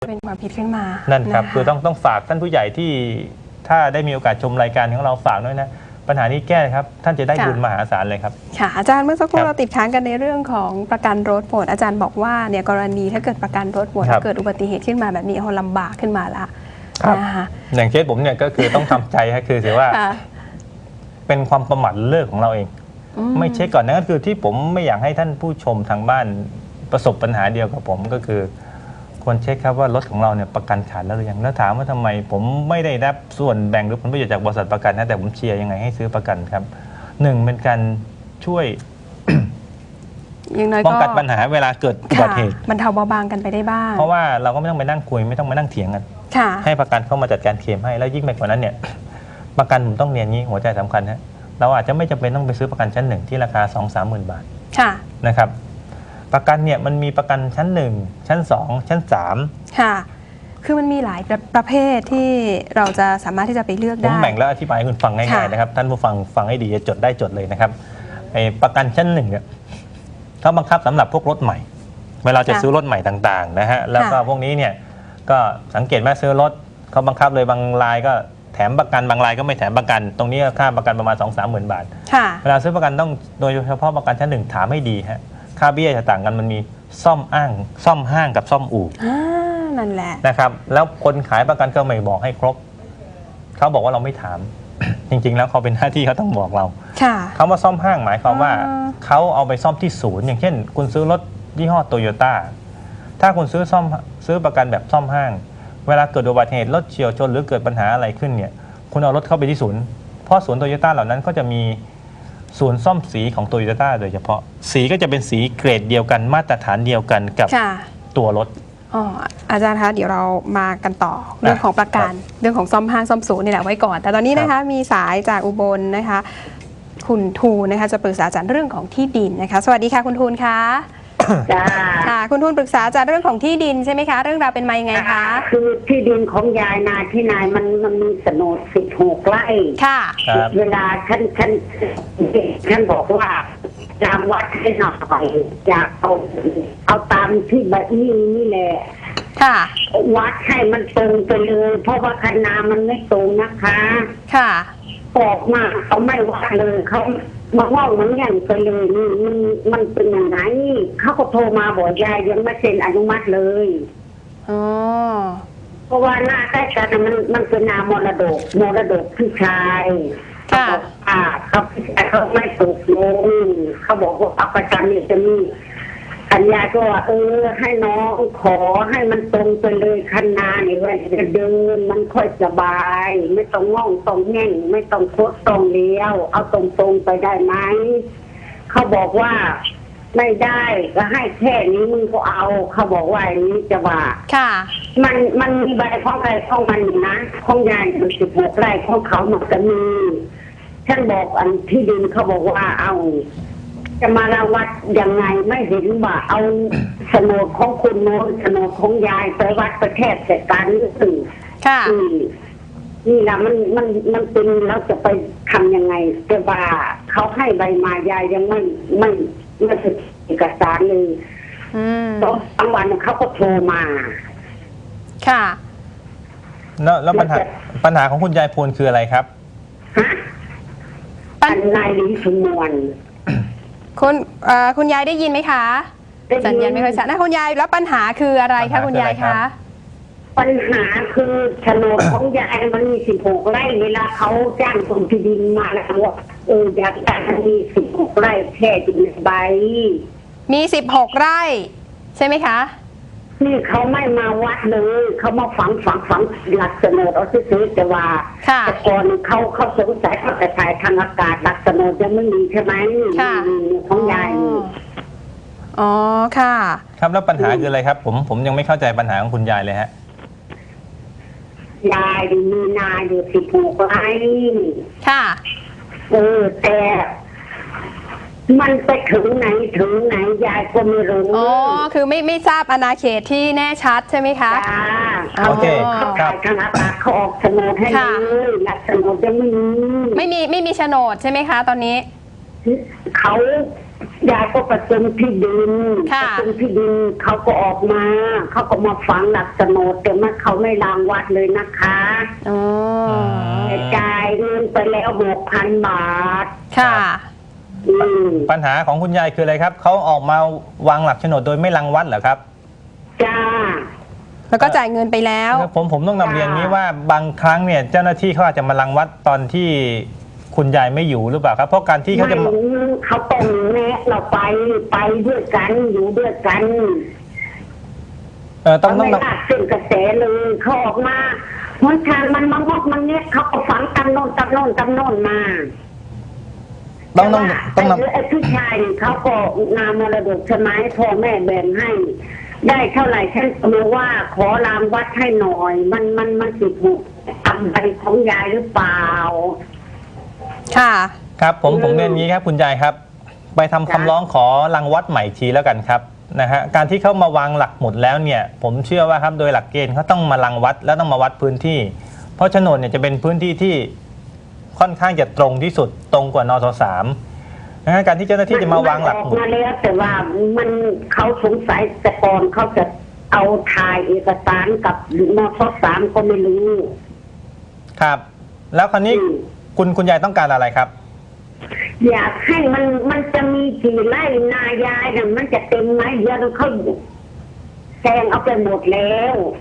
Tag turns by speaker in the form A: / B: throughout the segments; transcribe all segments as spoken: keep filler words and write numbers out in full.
A: เป็นความผิดขึ้นมา
B: นั่นครับ
A: ะะ
B: คือต้องต้องฝากท่านผู้ใหญ่ที่ถ้าได้มีโอกาสชมรายการของเราฝากด้วยนะปัญหานี้แก้ครับท่านจะได้บุญมหาศาลเลยครับ
A: ค่ะอาจารย์เมื่อสักครู่เราติดค้างกันในเรื่องของประกันรถหมดอาจารย์บอกว่าเนี่ยกรณีถ้าเกิดประกันรถหมดเกิดอุบัติเหตุขึ้นมาแบบนี้เขาลำบากขึ้นมาละนะคะ
B: อย่างเคสผมเนี่ยก็คือต้องทำใจครับคือถือว่าเป็นความประมาทเลิกของเราเองไม่เช็คก่อนนั่นก็คือที่ผมไม่อยากให้ท่านผู้ชมทางบ้านประสบปัญหาเดียวกับผมก็คือควรเช็คครับว่ารถของเราเนี่ยประกันขาดแล้วหรือยังแล้วถามว่าทำไมผมไม่ได้รับส่วนแบ่งหรือผลประโยชน์จากบริษัทประกันนะแต่ผมเชียร์ยังไงให้ซื้อประกันครับหนึ่งเป็นการช่วยป้องกันปัญหาเวลาเกิดอุบัติเหตุ
A: บรรเทาเบาบางกันไปได้บ้าง
B: เพราะว่าเราก็ไม่ต้องไปนั่งคุยไม่ต้องมานั่งเถียงกันให้ประกันเข้ามาจัดการเคลมให้แล้วยิ่งไปกว่านั้นเนี่ยประกันผมต้องเรียนนี้หัวใจสำคัญนะเราอาจจะไม่จำเป็นต้องไปซื้อประกันชั้นหนึ่งที่ราคาสองสามหมื่นบาทนะครับประกันเนี่ยมันมีประกันชั้นหนึ่งชั้นสองชั้นสาม
A: ค่ะคือมันมีหลายประเภทที่เราจะสามารถที่จะไปเลือกได้
B: ผมแบ่งแล้วอธิบายให้คุณฟังง่ายๆนะครับท่านผู้ฟังฟังให้ดีจะจดได้จดเลยนะครับไอ้ประกันชั้นหนึ่งเนี่ยเขาบังคับสำหรับพวกรถใหม่เวลาจะซื้อรถใหม่ต่างๆนะฮะแล้วก็พวกนี้เนี่ยก็สังเกตว่าซื้อรถเขาบังคับเลยบางรายก็แถมประกันบางรายก็ไม่แถมประกันตรงนี้ค่าประกันประมาณ สองสามหมื่นบาทเวลาซื้อประกันต้องโดยเฉพาะประกันชั้นหนึ่งถามให้ดีฮะค่าเบี้ยจะต่างกันมันมีซ่อมอ้างซ่อมห้างกับซ่อมอู่
A: นั่นแหละ
B: นะครับแล้วคนขายประกันก็ไม่บอกให้ครบเขาบอกว่าเราไม่ถาม จริงๆแล้วเขาเป็นหน้าที่เขาต้องบอกเราคำว่าซ่อมห้างหมายความว่าเขาเอาไปซ่อมที่ศูนย์อย่างเช่นคุณซื้อรถยี่ห้อโตโยต้าถ้าคุณซื้อซ่อมซื้อประกันแบบซ่อมห้างเวลาเกิดอุบัติเหตุรถเฉี่ยวชนหรือเกิดปัญหาอะไรขึ้นเนี่ยคุณเอารถเข้าไปที่ศูนย์เพราะศูนย์โตโยต้าเหล่านั้นก็จะมีศูนย์ซ่อมสีของโตโยต้าโดยเฉพาะสีก็จะเป็นสีเกรดเดียวกันมาตรฐานเดียวกันกับตัวรถ
A: อ๋ออาจารย์คะเดี๋ยวเรามากันต่อเรื่องของประกันเรื่องของซ่อมห้างซ่อมศูนย์นี่แหละไว้ก่อนแต่ตอนนี้นะคะมีสายจากอุบลนะคะคุณทูนนะคะจะปรึกษาอาจารย์เรื่องของที่ดินนะคะสวัสดีค่ะคุณทูนคะ
C: จ้า
A: ค่ะคุณทูนปรึกษาอาจารย์เรื่องของที่ดินใช่ไหมคะเรื่องราวเป็นมายังไงคะ
C: คือที่ดินของยายนาที่นายมันมันมีโฉนดสิบหกไร่
A: ค่ะ
C: เวลาฉันฉันฉันบอกว่าจำวัดให้หน่อยอยากเอาเอาตามที่แบบนี้นี่แหละ
A: ค่ะ
C: วัดให้มันตรงไปเลยเพราะว่าคณะมันไม่ตรงนะคะ
A: ค่ะ
C: ออกมาเขาไม่วัดเลยเขามาว่ามันอย่างไปเลยนี่มันมันเป็นอย่างไรเขาก็โทรมาบอกยายยังไม่เซ็นอนุมัติเลย
A: อ๋อ
C: เพราะว่าหน้าใกล้กันมันมันเป็นนามรดกมรดกพี่ชาย
A: ค่ะ
C: เขาเขาไม่ตกลงเขาบอกว่าเอาประกันนี่จะมีอัญญาก็ว่าเออให้น้องขอให้มันตรงไปเลยคันนาเนี่ยว่าจะเดินมันค่อยสบายไม่ต้องง่องต้องแง่งไม่ต้องโคตรตรงเลี้ยวเอาตรงๆไปได้ไหมเขาบอกว่าไม่ได้ก็ให้แค่นี้มึงก็เอาเขาบอกว่าอย่างนี้จะว่า
A: ค่ะ
C: มันมันมีใบของใครของมันนะของยายมันสิบหกไร่ของเขาหมดก็มีฉันบอกอันที่ดินเขาบอกว่าเอาจะมาระวัดยังไงไม่เห็นว่าเอาโฉนดของคุณโน้นโฉนดของยายไปวัดประเทศเสร็จการนี่สื่อ
A: ค่ะ
C: นี่แหละมันมันมันเป็นแล้วจะไปทำยังไงจะว่าเขาให้ใบมายายยังไม่ไม่ไม่สึกเอกสารเลยตอนกลางวันเขาก็โทรมา
A: ค่ะ
B: แล้วแล้วปัญหาปัญหาของคุณยายพูนคืออะไรครับ
C: ฮะปัญนายลิ้นสมวน
A: คุณคุณยายได้ยินไหมคะสัญญาณไม่ค่อยชัดนะคุณยายแล้วปัญหาคืออะไรคะคุณยายคะ
C: ปัญหาคือโฉนดของยายมันมีสิบหกไร่เวลาเขาจ้างกรมที่ดินมาแล้วว่าเอออยากได้มันมีสิบหกไร่แค่จุดใบ
A: มีสิบหกไร่ใช่ไหมคะ
C: นี่เขาไม่มาวัดเลยเขามาฝังฝังฝังหลักโฉนดเอาซื้อแต่ว่าแต่ก่อนเขาเขาสงสัยเขาแต่ถ่ายทางอากาศหลักโฉนดยังไม่มีใช่ไหมของยาย
A: อ๋อค่ะ
B: ครับแล้วปัญหาคืออะไรครับผมผมยังไม่เข้าใจปัญหาของคุณยายเลยฮะ
C: ยายมีนาอยู่สิบหกไร่
A: ค่ะ
C: เออแต่มันไปถึงไหนถึงไหนยายก็ไม่รู้
A: อ๋อคือไม่ไม่ทราบอาณาเขตที่แน่ชัดใช่ไหมคะ
C: โอเคครับทางอาตาเขาออกโฉนดให้เลยหลักโฉนดจะไม่มี
A: ไม่มีไม่มีโฉนดใช่ไหมคะตอนนี้
C: เขายายก็ประจมที่ดินป
A: ค่ะ
C: ระจมที่ดินเขาก็ออกมาเขาก็มาฝังหลักโฉนดแต่ว่าเขาไม่รางวัดเลยนะคะ
A: อ๋อ
C: แต่จ่ายเงินไปแล้วหกพันบาท
A: ค่ะ
C: อืม
B: ปัญหาของคุณยายคืออะไรครับเขาออกมาวางหลักโฉนดโดยไม่รังวัดเหรอครับ
C: จ้า
A: แล้วก็จ่ายเงินไปแล้ว
B: ผมผมต้องนำเรียน
C: จ้า
B: นี้ว่าบางครั้งเนี่ยเจ้าหน้าที่เขาอาจจะมารังวัดตอนที่คุณยายไม่อยู่หรือเปล่าครับ เพราะการที่เขาจะมา
C: ไม่เขาต้องแนะเราไปไปด้วยกันอยู่ด้วยกัน
B: เออต้อง
C: เขา
B: ต้อง
C: ไม่ลากเส้นกระแสเลยเขาออกมาหนทางมันมางอกมันเนี้ยเขาก็ฝังตำโนนตำโนนตำโนนมา
B: ต้องต้อง
C: แต่
B: ต้อง
C: ว่า
B: นำ
C: ไอ้พี่ชายนี่เขาก็นามรดกใช่ไหมพ่อแม่แบ่งให้ ได้เท่าไหร่ฉันก็รู้ว่าขอรามวัดให้หน่อย มันมันมันสิถูกทำใบของยายหรือเปล่า
A: ค่ะ
B: ครับผม
C: อืม
B: ผมเรียนอย่างนี้ครับคุณยายครับ ไปทำคำ
C: จ้ะ
B: ร้องขอรังวัดใหม่อีกทีแล้วกันครับนะฮะการที่เขามาวางหลักหมุดแล้วเนี่ยผมเชื่อว่าครับโดยหลักเกณฑ์เขาต้องมารังวัดแล้วต้องมาวัดพื้นที่ เพราะโฉนดเนี่ยจะเป็นพื้นที่ที่ค่อนข้างจะตรงที่สุดตรงกว่านสสามนะฮะการที่เจ้าหน้าที่จะมาวางหลัก
C: มัน
B: ห
C: อ
B: มุ
C: อ
B: ด
C: มาแล้วแต่ว่ามันเขาสงสัยแต่ก่อนเขาจะเอาถ่ายเอกสารกับนสสามก็ไม่รู้
B: ครับ แล้วคราวนี้
C: อืม
B: คุณคุณยายต้องการอะไรครับ
C: อยากให้มันมันจะมีกี่ไร่นายายน่ะมันจะเต็มไหมเดี๋ยวเขาแซงเอาไปหมดแล้ว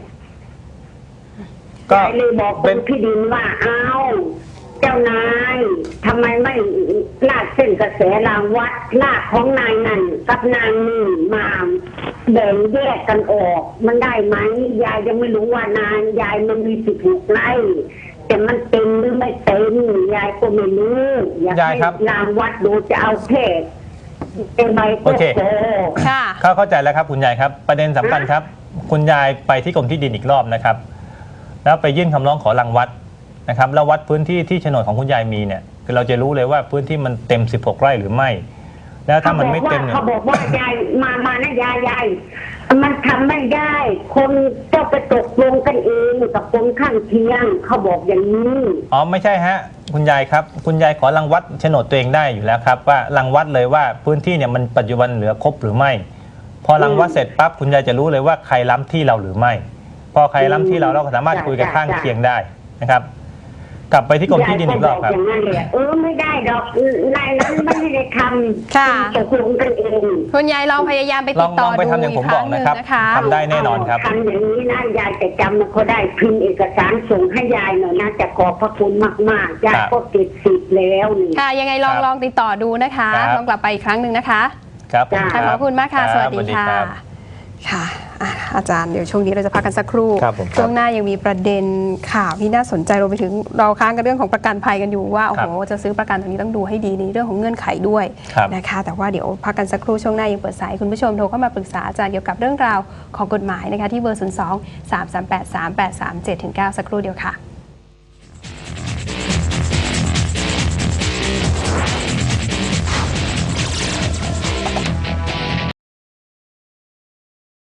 B: ก็
C: ยายเลยบอกค
B: เป็น
C: นที่ดินว่าเอาเจ้านายทำไมไม่ลากเส้นกระแสรางวัดลากของนายนั่นกับนายนี่มาแบ่งแยกกันออก มันได้ไหมยายยังไม่รู้ว่านายยายมันมีสิบหกไร่แต่มันเต็มหรือไม่เต็มยายก็ไม่รู้อยาก
B: ยาย
C: ให้
B: ครับ
C: รางวัดดูจะเอาแค่เป็นใบ
B: โอเค
C: โต
A: ค่ะ
B: เข้าเข้าใจแล้วครับคุณยายครับ ประเด็นสำคัญครับ คุณยายไปที่กรมที่ดินอีกรอบนะครับ แล้วไปยื่นคำร้องขอรังวัดนะครับแล้ววัดพื้นที่ที่โฉนดของคุณยายมีเนี่ยคือเราจะรู้เลยว่าพื้นที่มันเต็มสิบหกไร่หรือไม่ แล้วถ้ามันไม่เต็มเนี่ย
C: เขาบอกว่ายายมามานะยายยายมันทำไม่ได้ คนเจ้าไปตกลงกันเองกับคนข้างเคียงเขาบอกอย่างนี้
B: อ๋อไม่ใช่ฮะคุณยายครับคุณยายขอรังวัดโฉนดตัวเองได้อยู่แล้วครับว่ารังวัดเลยว่าพื้นที่เนี่ยมันปัจจุบันเหลือครบหรือไม่ พอรังวัดเสร็จปั๊บคุณยายจะรู้เลยว่าใครล้ำที่เราหรือไม่ พอใครล้ำที่เราเราก็สามารถคุยกันข้างเคียงได้นะครับ กลับไปที่กรมที่ดินอีกรอบครับ
C: ยายก็บอกอย่างนั้นเลยเออไม่ได้ดอกนายนั้นไม่ได้ทำ
A: ค่ะ
C: ตกลงกันเอง
A: คุณยายลองพยายามไป
B: ล
A: ติ
B: อง
A: ดต่อ
B: ลองไป
A: ดู
B: ทำอย่าง
A: อี
B: ผ
A: ก
B: ม
A: ค
B: บ
A: รั้
B: อก
A: งหนึ่ง
B: นะครับ
A: นะคะ
B: ทำได้แน่นอนครับ
C: ทำอย่างนี้นะยายจะจำเขาได้พิมพ์เอกสารส่งให้ยายหน่อยนะจะขอบพระคุณมากๆยายก็ติดสิทธิ์แล้วนี่
A: ค่ะ ยังไงลอง
B: ครับ
A: ลองติดต่อดูนะคะ
B: ครับ
A: ลองกลับไปอีกครั้งหนึ่งนะคะ
B: ครับผม
A: ค่ะขอบคุณมากค่ะ
B: รับ
A: สวัสดีค่ะ
B: รับ
A: ค่ะอ่ะ อาจารย์เดี๋ยวช่วงนี้เราจะพักกันสักครู่
B: ครับผมครับ
A: ช่วงหน้ายังมีประเด็นข่าวที่น่าสนใจรวมไปถึงเราค้างกันเรื่องของประกันภัยกันอยู่ว่าโอ้โหจะซื้อประกันตรงนี้ต้องดูให้ดีในเรื่องของเงื่อนไขด้วย
B: ครับ
A: นะคะ แต่ว่าเดี๋ยวพักกันสักครู่ช่วงหน้ายังเปิดสายคุณผู้ชมโทรเข้ามาปรึกษาอาจารย์เกี่ยวกับเรื่องราวของกฎหมายนะคะที่เบอร์ ศูนย์ สอง สาม สาม แปด สาม แปด สาม เจ็ด เก้า สักครู่เดียวค่ะ